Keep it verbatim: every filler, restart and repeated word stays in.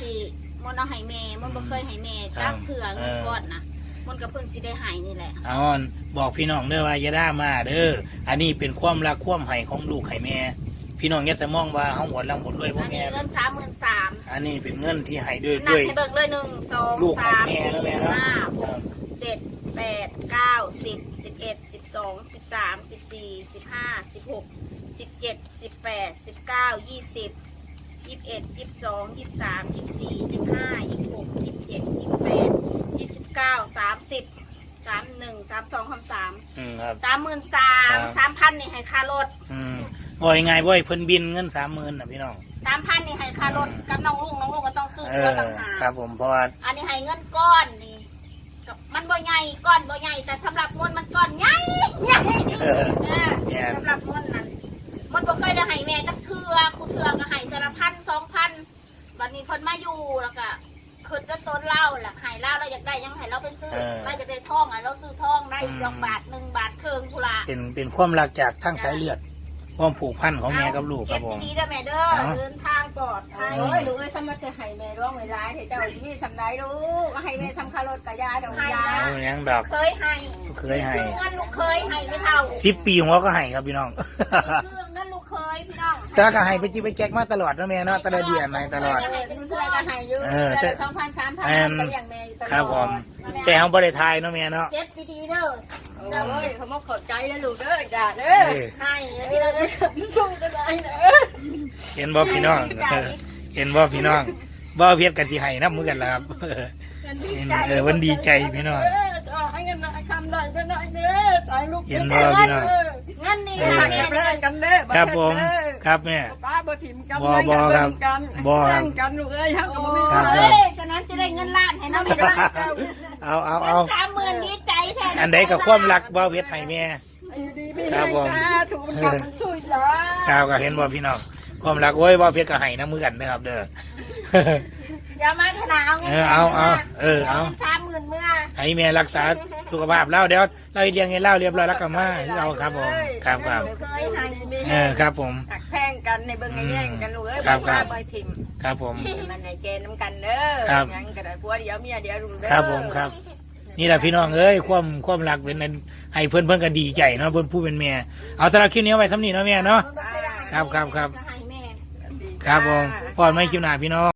สิมันเอาให้แม่มันบ่เคยให้แม่จักเถื่อเงินก้อนนะมันก็เพิ่งสิได้ให้นี่แหละเอาบอกพี่น้องเด้อว่าอย่าด่ามาเด้ออันนี้เป็นความรักความให้ของลูกให้แม่พี่น้องอย่าสมองว่าเฮาหมดแล้วหมดด้วยพ่อแม่อันนี้เงินสามหมื่นสามอันนี้เป็นเงินที่ให้ด้วยนับด้วยให้เบิกเลยหนึ่งสองสามสี่ห้าหกเจ็ดแปดเก้าสิบสิบเอ็ดสิบสองสิบสามสิบสี่สิบห้าสิบหกสิบเจ็ดสิบแปดสิบเก้ายี่สิบยี่สิบเอ็ดยี่สิบสองยี่สิบสามยี่สิบสี่ยี่สิบห้ายี่สิบหกยี่สิบเจ็ดยี่สิบแปดยี่สิบเก้าสามสิบสามหนึ่งสามสองคำสามสามหมื่นสามสามพันนี่ให้ค่ารถบ่อยไงบ่อยเพิ่นบินเงินสามหมื่นนะพี่น้องสามพันนี่ให้ค่ารถกับน้องลุงน้องลุงก็ต้องซื้อเพื่อต่างหากครับผมเพราะว่าอันนี้ให้เงินก้อนนี่มันบ่ใหญ่ก้อนบ่ใหญ่แต่สำหรับมวลมันก้อนใหญ่ใหญ่สำหรับมวลนั้นมันบ่เคยได้ให้แม่จักเทือคูเทือก็ให้แต่ละพันสองพันวันนี้คนมาอยู่แล้วก็คืนก็ต้นเหล้าแหละให้เหล้าเราอยากได้ยังให้เราไปซื้อเราจะได้ทองอ่ะเราซื้อทองได้ดอกบาทหนึ่งบาทครึ่งพุละเป็นเป็นความรักจากทั้งสายเลือดความผูกพันของแม่กับลูกครับผมดีเด้อแม่เด้อเดินทางปลอดภัยโอ้ยลูกเอ้ยสมัครเสียให้แม่ร้องเวลาให้เจ้าชีวิตสำได้ลูกให้แม่ทำคารถกะยาดอกยายังดอกเคยให้เคยให้เงินลูกเคยให้ไม่เท่าสิบปีหัวก็ให้ครับพี่น้องเงินลูกเคยพี่น้องแต่ก็ให้ไปจีไปแจกมาตลอดนะแม่เนาะตลอดเดือนในตลอดลูกเอ้ยก็ให้อยู่แต่สองพันสามพันก็อย่างแม่ตลอดครับผมแต่เขาบริทายเนาะแม่เนาะเก็บดีๆเด้อเจ้าเอ้ยเขามาขอบใจนะลูกเด้อจ้าเด้อให้พี่น้องสู้ก็ได้นะเห็นบ่พี่น้องเห็นบ่พี่น้องบ่เพียรกันสิให้นับมือกันแล้วครับเออวันดีใจพี่น้องให้เงินหน่อยคำหน่อยก็หน่อยเด้อตายลูกเห็นบ่พี่น้องเงินนี่ค่ะแม่เล่นกันเด้อครับผมครับแม่ป้าบ่ถิ่มกันบ่บ่ครับบ่ครับกันลูกเอ้ยฮักบ่มีเฮ้ยฉะนั้นจะได้เงินล้านให้น้องแม่ด้วยเอาเอาเอาสามหมื่นดีใจแทนอันใดกับความรักบ่เพียรให้แม่ครับผมถูกกับมันช่วยเหลือครับก็เห็นบ่พี่น้องความรักโอ้ยบ่เพียรก็ให้น้ำมือกันนะครับเด้ออย่ามาถนาเอาเงินเอาเอาเออเอาสามหมื่นเมื่อให้แม่รักษาสุขภาพแล้วเดี๋ยวเราเลี้ยงให้เล่าเรียบร้อยแล้วก็มาเราครับผมครับครับเออครับผมตักแพงกันในเบิ้งในแย่งกันลูกเอ้ยบ้าใบถิ่มครับผมมันในเกณฑ์น้ำกันเด้อยังกระดาษพัวเดียวเมียเดียวลูกเด้อครับผมครับนี่แหละพี่น้องเอ้ยความความรักเป็นให้เพื่อนเพื่อนก็ดีใจเนาะเพื่อนผู้เป็นแม่เอาสำหรับคลิปนี้ไว้สำนีเนาะแม่เนาะครับครับครับครับผมพอดไม่คิวหนาพี่น้อง